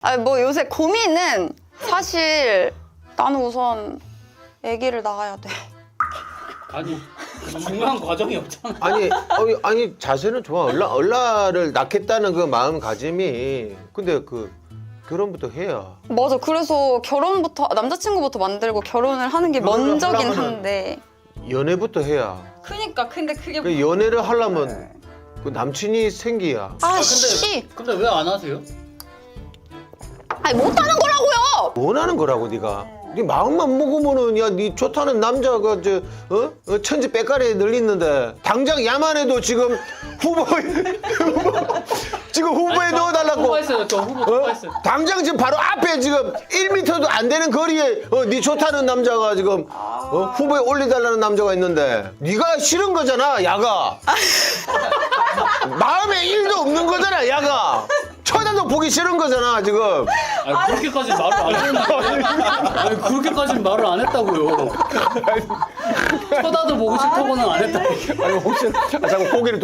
아니 뭐 요새 고민은 사실 나는 우선 아기를 낳아야 돼. 아니 중요한 과정이 없잖아. 아니 자세는 좋아. 얼라를 낳겠다는 그 마음가짐이 근데 그 결혼부터 해야. 맞아. 그래서 결혼부터 남자친구부터 만들고 결혼을 하는 게 결혼을 먼저긴 하려면은- 한데. 연애부터 해야. 그니까 근데 그게 그 연애를 하려면 그 남친이 생기야. 아씨. 근데 왜 안 하세요? 아니 못하는 거라고요. 원하는 거라고 네가. 네 마음만 먹으면은 야네 좋다는 남자가 천지 빽가리에 늘리는데 당장 야만해도 지금 지금 후보에 넣어달라고. 후보했어요. 저 후보 후보했어요. 당장 지금 바로 앞에 지금 1m도 안 되는 거리에 네 좋다는 남자가 지금 후보에 올려달라는 남자가 있는데 네가 싫은 거잖아 야가. 마음에 1도 없는 거잖아 야가. 쳐다도 보기 싫은 거잖아 지금. 아니 그렇게까지 말을 안 했는데. 아니 그렇게까지 말을 안 했다고요. 쳐다도 보고 싶다고는 안 했다고. 아니 혹시 자꾸 고개를